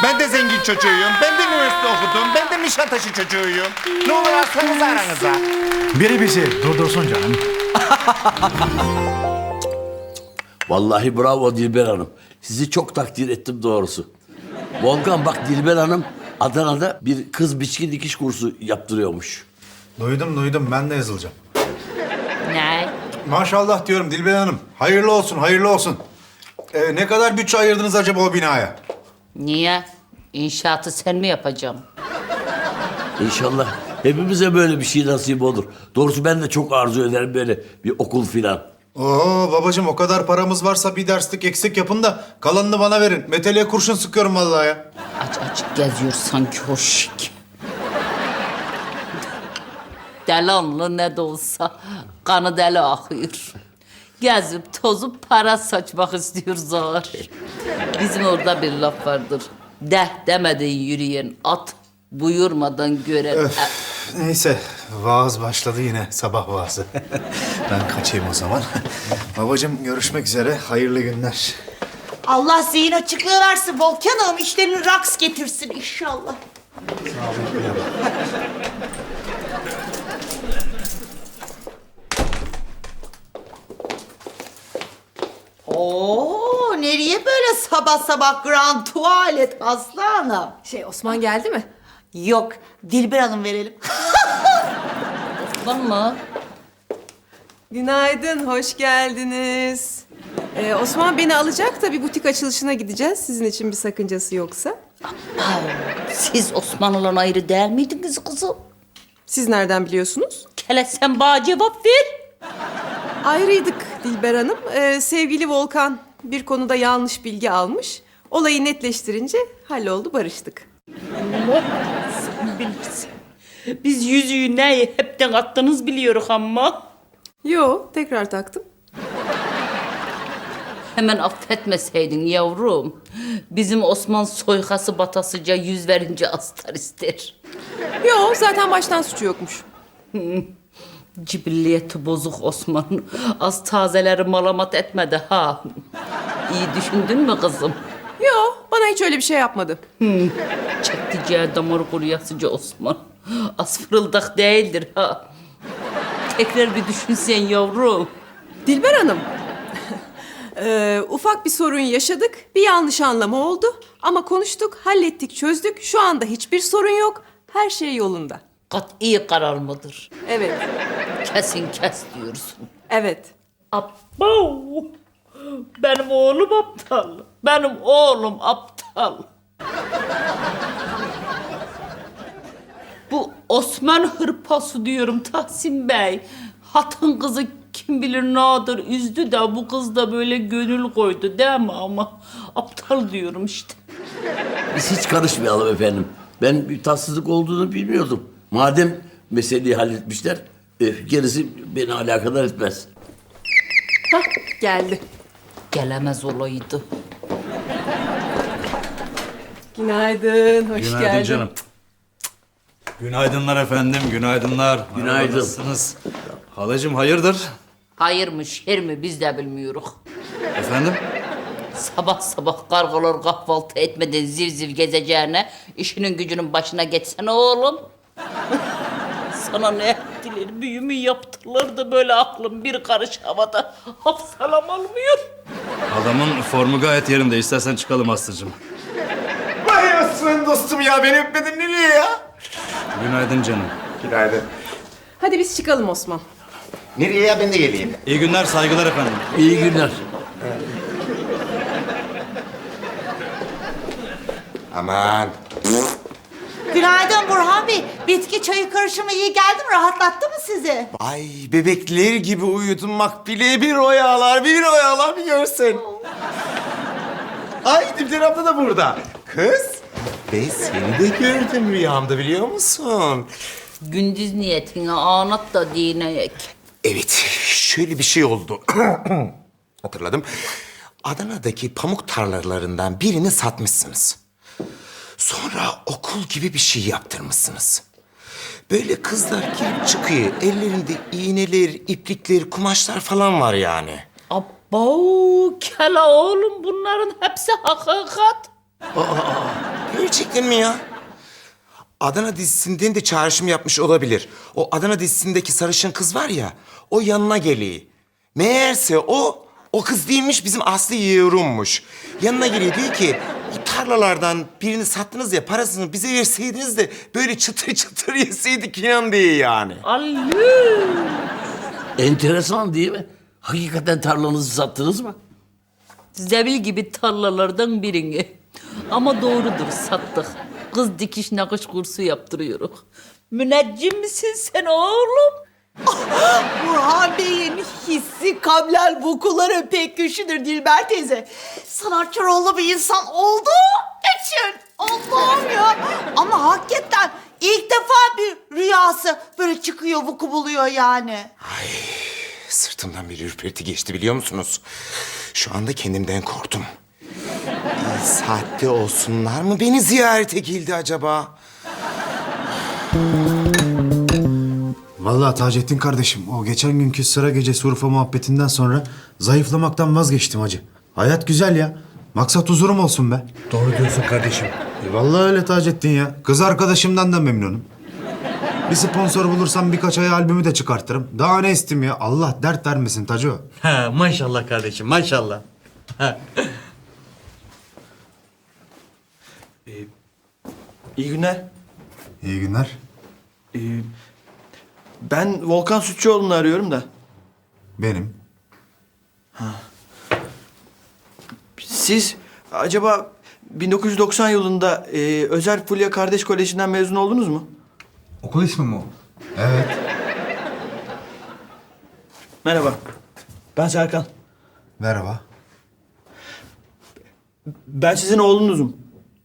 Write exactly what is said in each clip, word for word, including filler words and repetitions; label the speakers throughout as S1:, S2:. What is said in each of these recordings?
S1: Ben de zengin çocuğuyum. Ben de üniversite okudum. Ben de Nişantaşı çocuğuyum. Ne olur alsanız aranıza.
S2: Biri bizi durdursun canım.
S3: Vallahi bravo Dilber Hanım. Sizi çok takdir ettim doğrusu. Volkan bak Dilber Hanım Adana'da bir kız biçki dikiş kursu yaptırıyormuş.
S2: Duydum duydum, ben de yazılacağım.
S4: Ne?
S2: Maşallah diyorum Dilber Hanım. Hayırlı olsun, hayırlı olsun. Ee, ne kadar bütçe ayırdınız acaba o binaya?
S4: Niye? İnşaatı sen mi yapacaksın?
S3: İnşallah hepimize böyle bir şey nasip olur. Doğrusu ben de çok arzu ederim böyle bir okul filan.
S2: Oo babacığım, o kadar paramız varsa bir derslik eksik yapın da kalanını bana verin. Meteliğe kurşun sıkıyorum vallahi ya.
S4: Aç aç geziyor sanki o şik. Delanlı ne de olsa kanı deli akıyor. Gezip tozup para saçmak istiyor zar. Bizim orada bir laf vardır. Deh demeden yürüyen at buyurmadan gören.
S2: Neyse, vaaz başladı yine, sabah vaazı. Ben kaçayım o zaman. Babacığım görüşmek üzere, hayırlı günler.
S5: Allah zihin açıklığı versin Volkan Hanım. İşlerini raks getirsin inşallah. Oo, nereye böyle sabah sabah grand tuvalet Aslı Hanım?
S6: Şey, Osman geldi mi?
S5: Yok, Dilber Hanım verelim.
S4: Var mı?
S6: Günaydın, hoş geldiniz. Ee, Osman beni alacak da bir butik açılışına gideceğiz. Sizin için bir sakıncası yoksa.
S4: Siz Osmanlı'dan ayrı değil miydiniz kızım?
S6: Siz nereden biliyorsunuz?
S4: Kele sen bana cevap ver.
S6: Ayrıydık Dilber Hanım. Ee, sevgili Volkan bir konuda yanlış bilgi almış. Olayı netleştirince halloldu, barıştık.
S4: Sen bilirsin. Biz yüzüğü neyi hepten attınız biliyoruz ama.
S6: Yo, tekrar taktım.
S4: Hemen affetmeseydin yavrum. Bizim Osman soykası batasıca yüz verince astar ister.
S6: Yo, zaten baştan suçu yokmuş.
S4: Cibilliyeti bozuk Osman. Az tazeleri malamat etmedi ha. İyi düşündün mü kızım?
S6: Yo, bana hiç öyle bir şey yapmadı.
S4: Çekticeği damar kuruyasıca Osman. Az fırıldak değildir ha. Tekrar bir düşünsen yavrum.
S6: Dilber Hanım, ee, ufak bir sorun yaşadık. Bir yanlış anlama oldu. Ama konuştuk, hallettik, çözdük. Şu anda hiçbir sorun yok. Her şey yolunda.
S4: Kat'i karar mıdır?
S6: Evet,
S4: Kesin kes diyorsun.
S6: evet.
S4: Abo! Benim oğlum aptal. Benim oğlum aptal. Bu Osman hırpası diyorum Tahsin Bey. Hatın kızı kim bilir nadir üzdü de bu kız da böyle gönül koydu değil mi ama aptal diyorum işte.
S3: Biz hiç karışmayalım efendim. Ben bir tatsızlık olduğunu bilmiyordum. Madem meseleyi halletmişler, e, gerisi beni alakadar etmez.
S6: Hah, geldi.
S4: Gelemez olaydı.
S6: Günaydın, hoş
S7: Günaydın
S6: geldin.
S7: canım. Günaydınlar efendim, günaydınlar.
S3: Günaydın.
S7: Merhaba, nasılsınız? Halacığım hayırdır?
S4: Hayır mı şer mi biz de bilmiyoruz.
S7: Efendim?
S4: Sabah sabah kargalar kahvaltı etmeden ziv ziv gezeceğine işinin gücünün başına geçsene oğlum. Sana ne ettiler, büyümü yaptılar da böyle aklım bir karış havada hafsalam almıyor.
S7: Adamın formu gayet yerinde. İstersen çıkalım Aslı'cığım.
S1: Vay Osman dostum ya, beni öpmedin nereye ya?
S7: Günaydın canım.
S1: Günaydın.
S6: Hadi biz çıkalım Osman.
S1: Nereye ya, ben de geleyim.
S7: İyi günler, saygılar efendim.
S3: İyi günler.
S1: Aman.
S5: Günaydın Burhan Bey. Bitki çayı karışımı iyi geldi mi? Rahatlattı mı sizi?
S1: Ay bebekler gibi uyudum Makbule. Bir oyalar, bir oyalar bir görsen. Ay Dilber abla da burada. Kız, ben seni de gördüm rüyamda biliyor musun?
S4: Gündüz niyetine anlat da dineyek.
S1: Evet, şöyle bir şey oldu. Hatırladım. Adana'daki pamuk tarlalarından birini satmışsınız. Sonra okul gibi bir şey yaptırmışsınız. Böyle kızlar girip çıkıyor. Ellerinde iğneler, iplikler, kumaşlar falan var yani.
S4: Abo kela oğlum bunların hepsi hakikat.
S1: Gerçekten mi ya? Adana dizisinden de çağrışım yapmış olabilir. O Adana dizisindeki sarışın kız var ya, o yanına geliyor. Meğerse o, o kız değilmiş, bizim Aslı Yeğrum'muş. Yanına geliyor, diyor ki, o tarlalardan birini sattınız ya, parasını bize verseydiniz de böyle çıtır çıtır yeseydik inan diye yani.
S3: Enteresan değil mi? Hakikaten tarlanızı sattınız mı?
S4: Zebil gibi tarlalardan birini. Ama doğrudur, sattık. Kız dikiş nakış kursu yaptırıyoruz. Müneccim misin sen oğlum?
S5: Burhan Bey'in hissi kablel vukuları pek güçlüdür Dilber teyze. Sanatçı bir insan olduğu için. Allah'ım ya. Ama hakikaten ilk defa bir rüyası böyle çıkıyor, vuku buluyor yani.
S1: Sırtımdan bir ürperti geçti biliyor musunuz? Şu anda kendimden korktum. İyi saatte olsunlar mı beni ziyarete geldi acaba?
S2: Vallahi Taceddin kardeşim, o geçen günkü sıra gecesi Urfa muhabbetinden sonra zayıflamaktan vazgeçtim hacı. Hayat güzel ya. Maksat huzurum olsun be.
S8: Doğru diyorsun kardeşim.
S2: E vallahi öyle Taceddin ya. Kız arkadaşımdan da memnunum. Bir sponsor bulursam birkaç ay albümü de çıkartırım. Daha ne isteyeyim ya? Allah dert vermesin Taco.
S8: Ha, maşallah kardeşim, maşallah. Ha. Ee, iyi günler.
S2: İyi günler.
S8: Ee, ben Volkan Sütçüoğlu'nu arıyorum da.
S2: Benim.
S8: Siz acaba bin dokuz yüz doksan yılında e, Özer Fulya Kardeş Koleji'nden mezun oldunuz mu?
S2: Okul ismi mi o? Evet.
S8: Merhaba. Ben Serkan.
S2: Merhaba.
S8: Ben sizin oğlunuzum.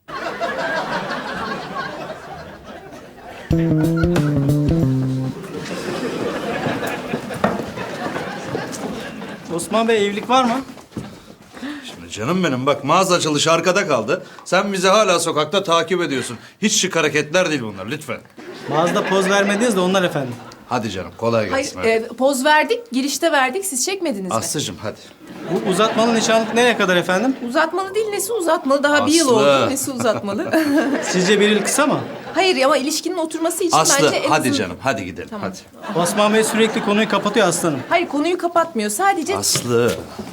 S9: Osman Bey evlilik var mı?
S7: Şimdi canım benim bak mağaza açılışı arkada kaldı. Sen bizi hala sokakta takip ediyorsun. Hiç şık hareketler değil bunlar lütfen.
S9: Mağazada poz vermediniz de onlar efendim.
S7: Hadi canım kolay
S6: Hayır,
S7: gelsin. hadi.
S6: e, poz verdik, girişte verdik. Siz çekmediniz mi?
S7: Aslıcığım hadi.
S9: Bu uzatmalı nişanlık nereye kadar efendim?
S6: Uzatmalı değil, nesi uzatmalı? Daha bir yıl
S7: Aslı.
S6: oldu, nesi uzatmalı?
S9: Sizce bir yıl kısa mı?
S6: Hayır ama ilişkinin oturması için
S7: Aslı
S6: bence en
S7: hadi
S6: azın-
S7: canım hadi gidelim hadi.
S9: Osman Bey sürekli konuyu kapatıyor aslanım.
S6: Hayır, konuyu kapatmıyor. Sadece
S7: Aslı.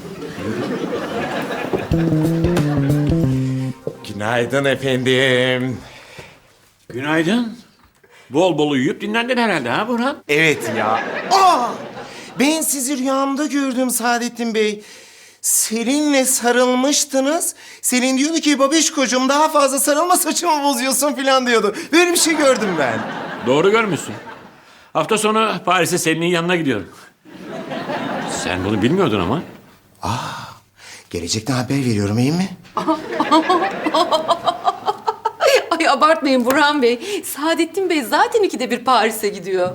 S1: Günaydın efendim.
S10: Günaydın. Bol bol uyuyup dinlendin herhalde ha Burhan?
S1: Evet ya. Aa! Ben sizi rüyamda gördüm Saadettin Bey. Selin'le sarılmıştınız. Selin diyordu ki babişkocuğum daha fazla sarılma saçımı bozuyorsun falan diyordu. Böyle bir şey gördüm ben.
S10: Doğru görmüşsün. Hafta sonu Paris'e Selin'in yanına gidiyorum. Sen bunu bilmiyordun ama.
S1: Gelecekten haber veriyorum iyi mi?
S6: Ay abartmayın Burhan Bey. Saadettin Bey zaten ikide bir Paris'e gidiyor.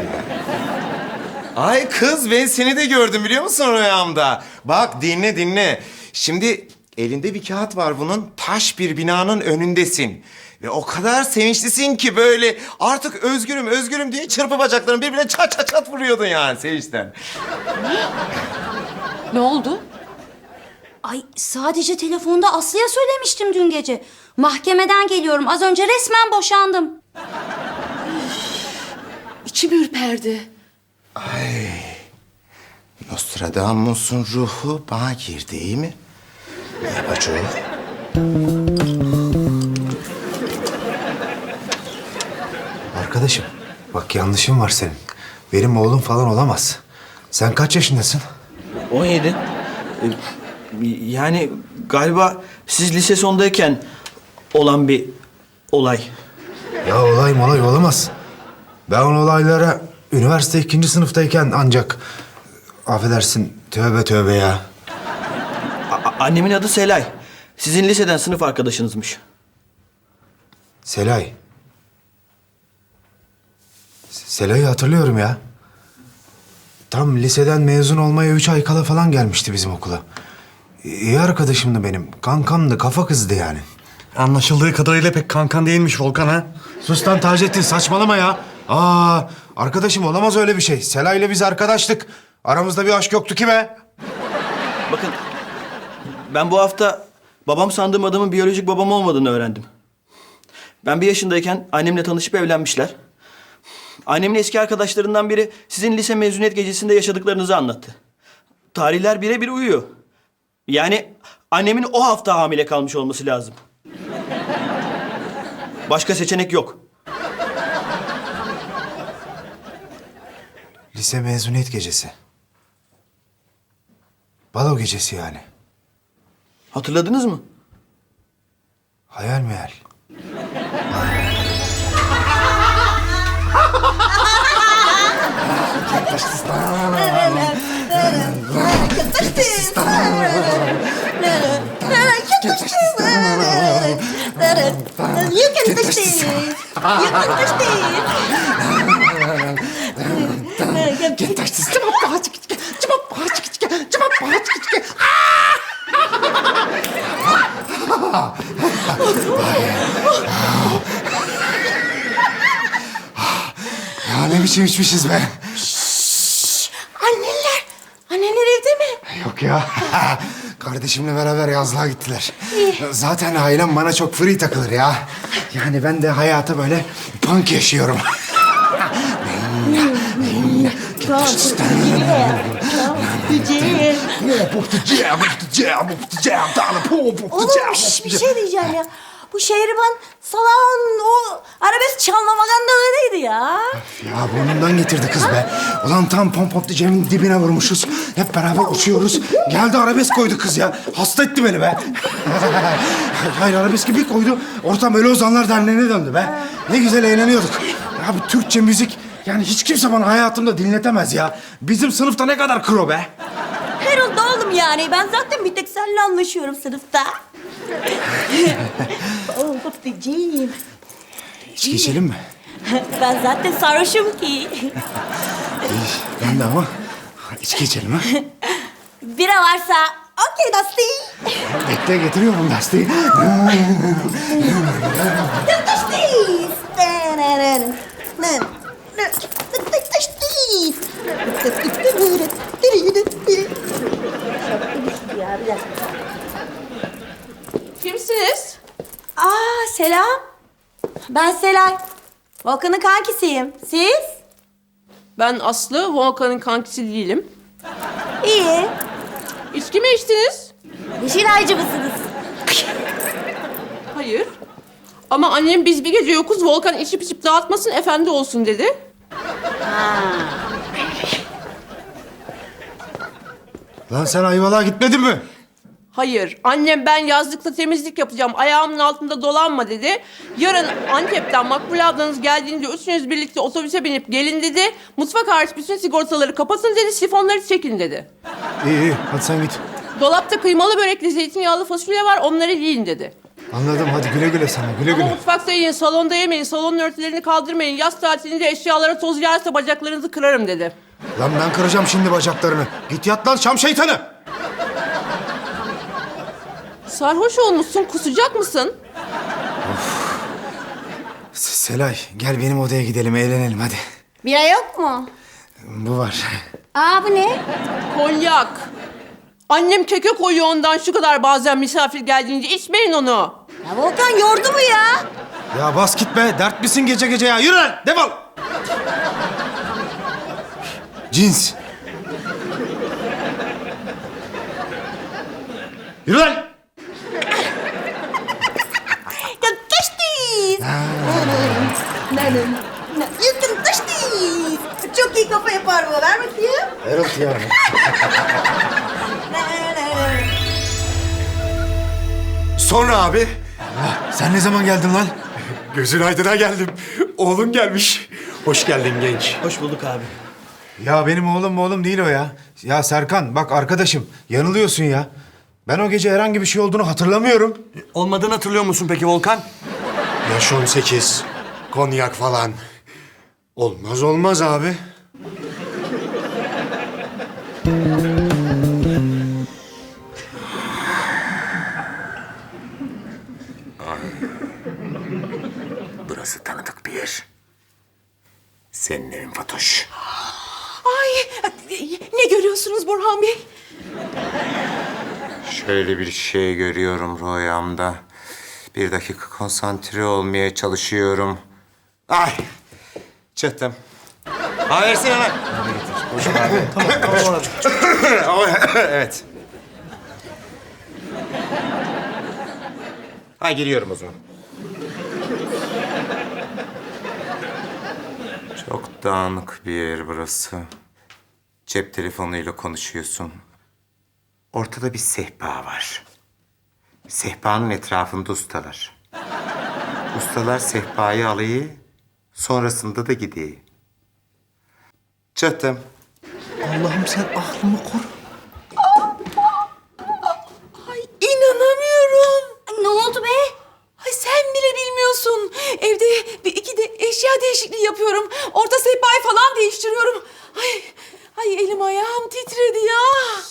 S1: Ay kız ben seni de gördüm biliyor musun rüyamda? Bak dinle dinle. Şimdi elinde bir kağıt var bunun. Taş bir binanın önündesin. Ve o kadar sevinçlisin ki böyle artık özgürüm özgürüm diye çırpı bacaklarını birbirine çat çat çat vuruyordun yani sevinçten.
S6: Ne oldu?
S11: Ay sadece telefonda Aslı'ya söylemiştim dün gece. Mahkemeden geliyorum. Az önce resmen boşandım.
S6: İçim ürperdi.
S1: Nostradamus'un ruhu bana girdi iyi mi? Ne yapacağız?
S2: Arkadaşım, bak yanlışın var senin. Benim oğlum falan olamaz. Sen kaç yaşındasın?
S8: on yedi. Ee, yani galiba siz lise sondayken olan bir olay.
S2: Ya olay molay olamaz. Ben o olaylara üniversite ikinci sınıftayken ancak... Affedersin, tövbe tövbe ya.
S8: A- annemin adı Selay. Sizin liseden sınıf arkadaşınızmış.
S2: Selay. S- Selay'ı hatırlıyorum ya. Tam liseden mezun olmaya üç ay kala falan gelmişti bizim okula. İyi arkadaşımdı benim. Kankamdı, kafa kızdı yani.
S8: Anlaşıldığı kadarıyla pek kankan değilmiş Volkan ha.
S2: Sus lan Taceddin, saçmalama ya. Aa, arkadaşım olamaz öyle bir şey. Selay'la biz arkadaştık. Aramızda bir aşk yoktu ki be.
S8: Bakın ben bu hafta babam sandığım adamın biyolojik babam olmadığını öğrendim. Ben bir yaşındayken annemle tanışıp evlenmişler. Annemin eski arkadaşlarından biri sizin lise mezuniyet gecesinde yaşadıklarınızı anlattı. Tarihler birebir uyuyor. Yani annemin o hafta hamile kalmış olması lazım. Başka seçenek yok.
S2: Lise mezuniyet gecesi. Balo gecesi yani.
S8: Hatırladınız mı?
S2: Hayal meyal. Ya ne biçim içmişiz be.
S5: Anneler, anneler evde mi?
S2: Yok ya. Kardeşimle beraber yazlığa gittiler. Zaten ailem bana çok free takılır ya. Yani ben de hayata böyle punk yaşıyorum.
S5: Oğlum şş, bir şey diyeceğim ya. Bu Şehriban Salah'ın o arabesk çalma magandalarıydı ya.
S2: Ya burnundan getirdi kız be. Ulan tam pom pom Cem'in dibine vurmuşuz. Hep beraber uçuyoruz. Geldi arabesk koydu kız ya. Hasta etti beni be. Hayır arabeski bir koydu. Ortam Ölü Ozanlar Derneği'ne döndü be. Ne güzel eğleniyorduk. Ya bu Türkçe müzik yani hiç kimse bana hayatımda dinletemez ya. Bizim sınıfta ne kadar kro be.
S5: Herhalde oğlum yani. Ben zaten bir tek seninle anlaşıyorum sınıfta. Oh babacığım.
S2: İçki içelim mi?
S5: Ben zaten sarhoşum ki.
S2: İyi, ben de ama içki içelim ha.
S5: Bira varsa okey Dusty.
S2: Bekle getiriyorum Dusty.
S6: Kimsiniz?
S5: Aa selam. Ben Selay. Volkan'ın kankisiyim. Siz?
S6: Ben Aslı, Volkan'ın kankisi değilim.
S5: İyi.
S6: İçki mi içtiniz?
S5: Yeşilaycı mısınız?
S6: Hayır. Ama annem biz bir gece yokuz, Volkan içip içip dağıtmasın, efendi olsun dedi.
S2: Lan sen Ayvalık'a gitmedin mi?
S6: Hayır. Annem ben yazlıkta temizlik yapacağım, ayağımın altında dolanma dedi. Yarın Antep'ten Makbule ablanız geldiğinde üçünüz birlikte otobüse binip gelin dedi. Mutfak hariç bütün sigortaları kapatın dedi, sifonları çekin dedi.
S2: İyi iyi hadi sen git.
S6: Dolapta kıymalı börekli zeytinyağlı fasulye var, onları yiyin dedi.
S2: Anladım hadi güle güle sana güle
S6: Ama
S2: güle.
S6: mutfakta yiyin, salonda yemeyin, salonun örtülerini kaldırmayın. Yaz tatilinde eşyalara toz yağarsa bacaklarınızı kırarım dedi.
S2: Lan ben kıracağım şimdi bacaklarını. Git yat lan Şam şeytanı.
S6: Sarhoş olmuşsun, kusacak mısın?
S2: Selay gel benim odaya gidelim eğlenelim hadi.
S5: Bira yok mu?
S2: Bu var.
S5: Aa bu ne?
S6: Konyak. Annem keke koyuyor ondan şu kadar bazen misafir geldiğince. İçmeyin onu.
S5: Ya Volkan yordu mu ya?
S2: Ya bas git be dert misin gece gece ya yürü lan defol. Cins. Yürü lan.
S5: Ya taştıyız. Yakın taştıyız. Çok iyi kafa yapar bu. Ver bakayım.
S2: Evet ya.
S1: Sonra abi
S2: Sen ne zaman geldin lan?
S1: gözün aydına geldim. Oğlun gelmiş. Hoş geldin genç.
S8: Hoş bulduk abi.
S2: Ya benim oğlum oğlum değil o ya. Ya Serkan bak arkadaşım yanılıyorsun ya. Ben o gece herhangi bir şey olduğunu hatırlamıyorum.
S8: Olmadığını hatırlıyor musun peki Volkan?
S2: Yaş on sekiz. Konyak falan. Olmaz olmaz abi.
S1: Burası tanıdık bir yer. Senin evin Fatoş.
S6: Ay ne görüyorsunuz Burhan Bey?
S1: Şöyle bir şey görüyorum rüyamda. Bir dakika konsantre olmaya çalışıyorum. Ay! Çıktım. Ha versene lan.
S2: Boşum abi. Tamam, tamam abi.
S1: Evet. Ha giriyorum o zaman. Çok dağınık bir yer burası. Cep telefonuyla konuşuyorsun. Ortada bir sehpa var. Sehpanın etrafında ustalar. Ustalar sehpayı alıyor, sonrasında da gidiyor. Çıktım.
S2: Allah'ım sen aklımı koru.
S5: Ay inanamıyorum.
S11: Ay, ne oldu be?
S5: Ay sen bile bilmiyorsun. Evde bir iki de eşya değişikliği yapıyorum. Orta sehpayı falan değiştiriyorum. Ay, ay elim ayağım titredi ya.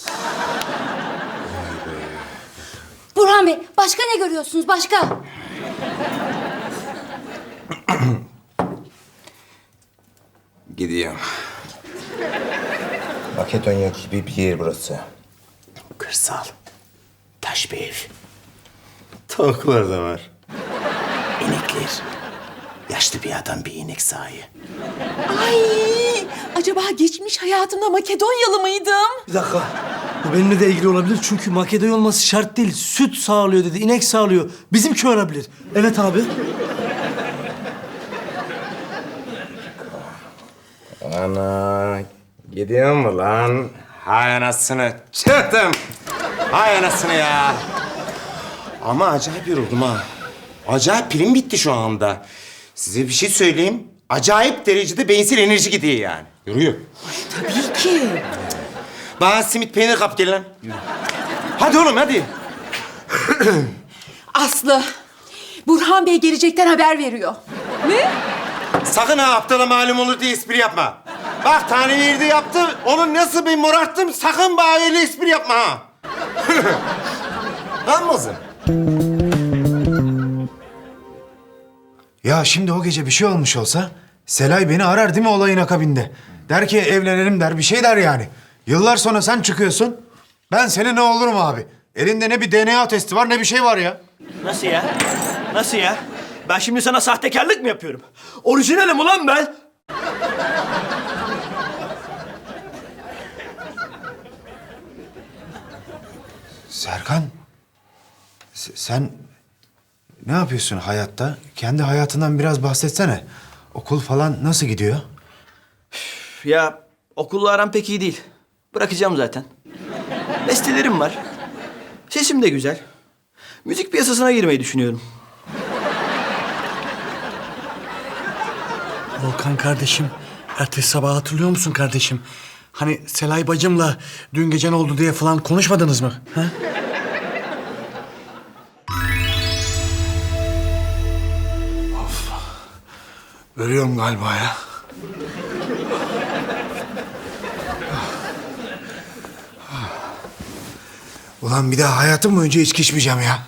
S11: Burhan Bey, başka ne görüyorsunuz? Başka?
S1: Gidiyorum. Makedonya gibi bir yer burası. Kırsal. Taş bir ev. Tavuklar da var. İnekler. Yaşlı bir adam bir inek sahibi.
S5: Ay acaba geçmiş hayatımda Makedonyalı mıydım?
S12: Bir dakika. Bu benimle de ilgili olabilir çünkü Makedonya olması şart değil. Süt sağlıyor dedi, inek sağlıyor. Bizimki olabilir. Evet abi.
S1: Ana gidiyor mu lan? Hay anasını çıktım. Hay anasını ya. Ama acayip yoruldum ha. Acayip pilim bitti şu anda. Size bir şey söyleyeyim. Acayip derecede beyinsel enerji gidiyor yani. Yoruyor.
S5: Tabii ki.
S1: Bana simit peynir kap gel lan. Yürü. Hadi oğlum hadi.
S5: Aslı, Burhan Bey gelecekten haber veriyor. Ne?
S1: Sakın ha aptala malum olur diye espri yapma. Bak tane verdi yaptı. Onu nasıl bir morarttım sakın bana öyle espri yapma ha. Anladın?
S2: Ya şimdi o gece bir şey olmuş olsa Selay beni arar değil mi olayın akabinde? Der ki evlenelim der bir şey der yani. Yıllar sonra sen çıkıyorsun. Ben senin ne olurum abi? Elinde ne bir D N A testi var ne bir şey var ya.
S8: Nasıl ya? Nasıl ya? Ben şimdi sana sahtekarlık mı yapıyorum? Orijinalim ulan ben.
S2: Serkan, se- sen ne yapıyorsun hayatta? Kendi hayatından biraz bahsetsene. Okul falan nasıl gidiyor?
S8: Ya okulla aram pek iyi değil. Bırakacağım zaten. Bestelerim var. Sesim de güzel. Müzik piyasasına girmeyi düşünüyorum.
S12: Volkan kardeşim, ertesi sabah hatırlıyor musun kardeşim? Hani Selay bacımla dün gece ne oldu diye falan konuşmadınız mı? Ha? Of. Ölüyorum galiba ya.
S2: Ulan bir daha hayatım boyunca içki içmeyeceğim ya.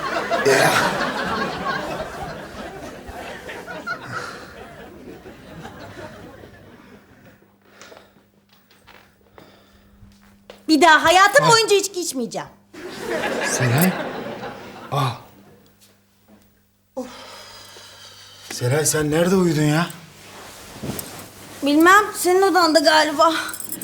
S13: Bir daha hayatım boyunca içki içmeyeceğim.
S2: Selay. Aa. Selay sen nerede uyudun ya?
S13: Bilmem, senin odanda galiba.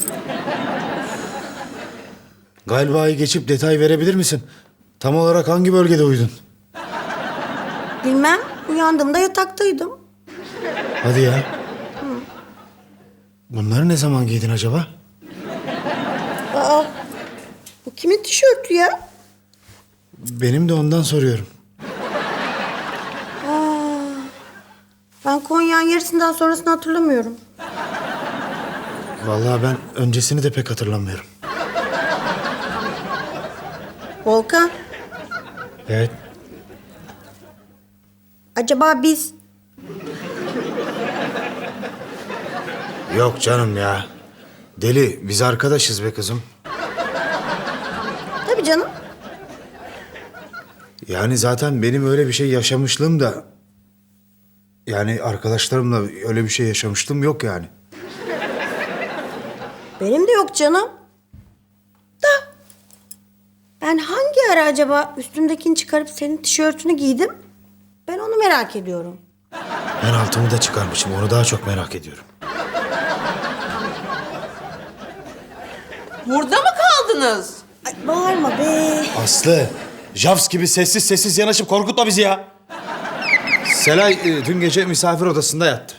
S2: Galiba'yı geçip detay verebilir misin? Tam olarak hangi bölgede uyudun?
S13: Bilmem, uyandığımda yataktaydım.
S2: Hadi ya. Bunları ne zaman giydin acaba?
S13: Aa, bu kimin tişörtü ya?
S2: Benim de ondan soruyorum.
S13: Aa, ben Konya'nın yarısından sonrasını hatırlamıyorum.
S2: Vallahi ben öncesini de pek hatırlamıyorum.
S13: Volkan,
S2: Evet.
S13: acaba biz...
S2: Yok canım ya. Deli, biz arkadaşız be kızım.
S13: Tabii canım.
S2: Yani zaten benim öyle bir şey yaşamışlığım da... Yani arkadaşlarımla öyle bir şey yaşamışlığım yok yani.
S13: Benim de yok canım. Da ben hangi ara acaba üstümdekini çıkarıp senin tişörtünü giydim? Ben onu merak ediyorum.
S2: Ben altımı da çıkarmışım. Onu daha çok merak ediyorum.
S6: Burada mı kaldınız?
S13: Ay, bağırma be.
S2: Aslı, Javs gibi sessiz sessiz yanaşıp korkutma bizi ya. Selay e, dün gece misafir odasında yattı.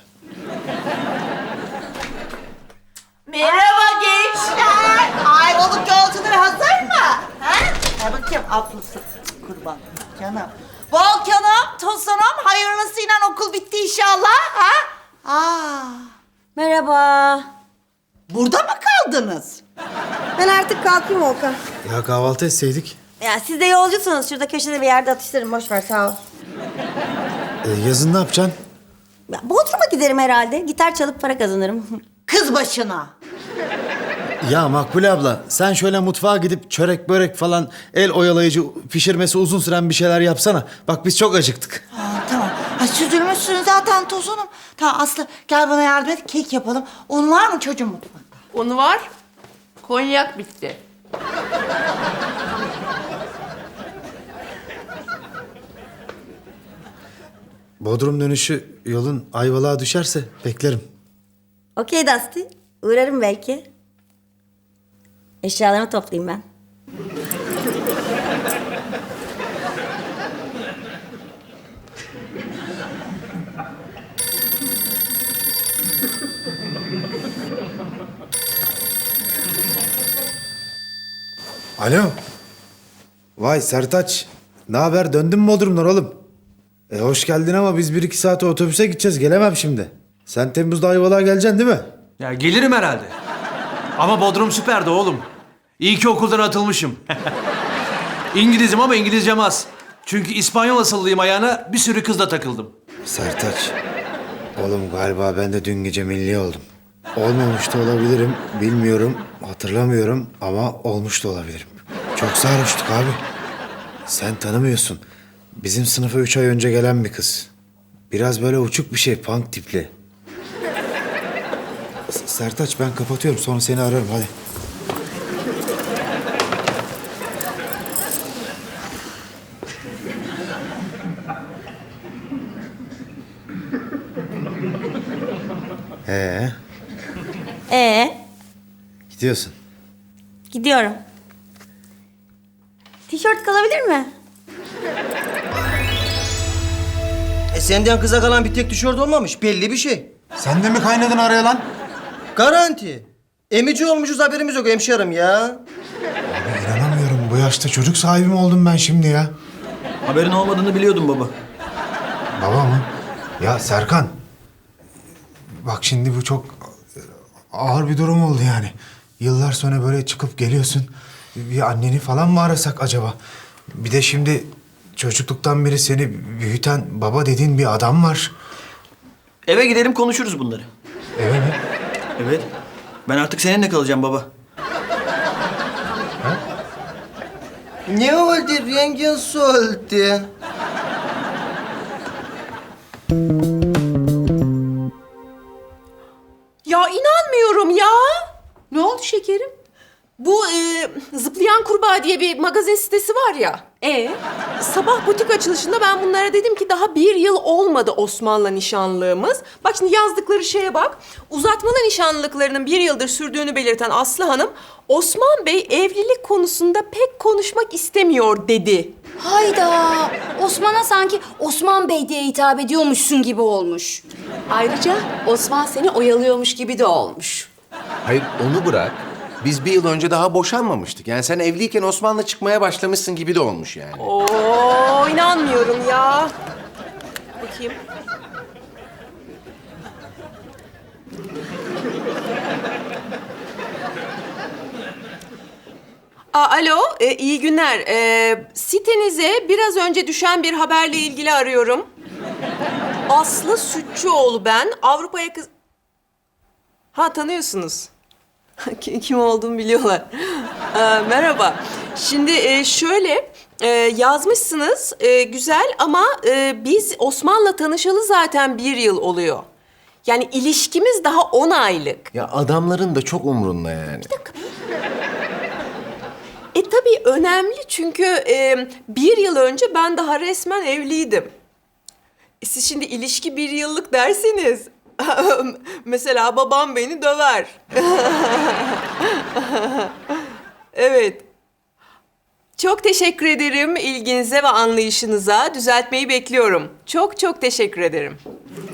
S5: Merhaba gençler. Ayvalık yolcuları hazır mı? Ha? Ha bakayım ablası. Kurban. Canım. Volkan'ım, Tosun'um hayırlısıyla okul bitti inşallah. Ha? Aa,
S13: Merhaba.
S5: burada mı kaldınız?
S13: Ben artık kalkayım Volkan.
S2: Ya kahvaltı etseydik.
S13: Ya siz de yolcusunuz. Şurada köşede bir yerde atıştırın. Boş ver sağ ol.
S2: E, yazın ne yapacaksın?
S13: Ya, Bodrum'a giderim herhalde. Gitar çalıp para kazanırım.
S5: Kız başına.
S2: Ya Makbule abla sen şöyle mutfağa gidip çörek börek falan el oyalayıcı pişirmesi uzun süren bir şeyler yapsana. Bak biz çok acıktık.
S5: Aa, tamam. Ay süzülmüşsün zaten Tosun'um. Tamam Aslı gel bana yardım et. Kek yapalım. Un var mı çocuğum mutfakta?
S6: Onu var. Konyak bitti.
S2: Bodrum dönüşü yolun Ayvalık'a düşerse beklerim.
S13: Okey Dusty. Uğrarım belki. Eşyalarımı toplayayım ben.
S2: Alo. Vay Sertaç. Ne haber? Döndün mü Bodrum'dan oğlum? E hoş geldin ama biz bir iki saate otobüse gideceğiz. Gelemem şimdi. Sen Temmuz'da Ayvalık'a geleceksin değil mi?
S7: Ya gelirim herhalde. Ama Bodrum süperdi oğlum. İyi ki okuldan atılmışım. İngilizim ama İngilizcem az. Çünkü İspanyol asıllıyım ayağına bir sürü kızla takıldım.
S2: Sertaç. Oğlum galiba ben de dün gece milli oldum. Olmamış da olabilirim. Bilmiyorum. Hatırlamıyorum ama olmuş da olabilirim. Çok sarhoştuk abi. Sen tanımıyorsun. Bizim sınıfa üç ay önce gelen bir kız. Biraz böyle uçuk bir şey, punk tipli. S- Sertaç ben kapatıyorum sonra seni ararım hadi. Ee,
S13: Ee,
S2: gidiyorsun.
S13: gidiyorum. Tişört kalabilir mi?
S14: E senden kıza kalan bir tek tişört olmamış. Belli bir şey.
S2: Sen de mi kaynadın araya lan?
S14: Garanti. Emici olmuşuz haberimiz yok hemşerim ya.
S2: Abi inanamıyorum. Bu yaşta çocuk sahibi mi oldum ben şimdi ya?
S8: Haberin olmadığını biliyordum baba.
S2: Baba mı? Ya Serkan. Bak şimdi bu çok ağır bir durum oldu yani. Yıllar sonra böyle çıkıp geliyorsun. Bir anneni falan mı arasak acaba? Bir de şimdi çocukluktan beri seni büyüten baba dediğin bir adam var.
S8: Eve gidelim konuşuruz bunları.
S2: Eve mi?
S8: Evet. Ben artık seninle kalacağım baba.
S14: Ne oldu? Rengin soldu.
S6: Ya inanmıyorum ya. Ne oldu şekerim? Bu e, Zıplayan Kurbağa diye bir magazin sitesi var ya. E sabah butik açılışında ben bunlara dedim ki daha bir yıl olmadı Osman'la nişanlığımız. Bak şimdi yazdıkları şeye bak. Uzatmalı nişanlılıklarının bir yıldır sürdüğünü belirten Aslı Hanım, Osman Bey evlilik konusunda pek konuşmak istemiyor dedi.
S11: Hayda. Osman'a sanki Osman Bey diye hitap ediyormuşsun gibi olmuş.
S15: Ayrıca Osman seni oyalıyormuş gibi de olmuş.
S1: Hayır onu bırak. Biz bir yıl önce daha boşanmamıştık. Yani sen evliyken Osman'la çıkmaya başlamışsın gibi de olmuş yani.
S6: Oo inanmıyorum ya. Bakayım. Aa, alo, e, iyi günler. E, sitenize biraz önce düşen bir haberle ilgili arıyorum. Aslı Sütçüoğlu ben. Avrupa'ya kız... Ha tanıyorsunuz. Kim olduğumu biliyorlar. Ee, merhaba. Şimdi e, şöyle e, yazmışsınız e, güzel ama e, biz Osman'la tanışalı zaten bir yıl oluyor. Yani ilişkimiz daha on aylık.
S1: Ya adamların da çok umrunda yani.
S6: E tabii önemli çünkü e, bir yıl önce ben daha resmen evliydim.
S15: Siz şimdi ilişki bir yıllık derseniz mesela babam beni döver. Evet. Çok teşekkür ederim ilginize ve anlayışınıza. Düzeltmeyi bekliyorum. Çok çok teşekkür ederim.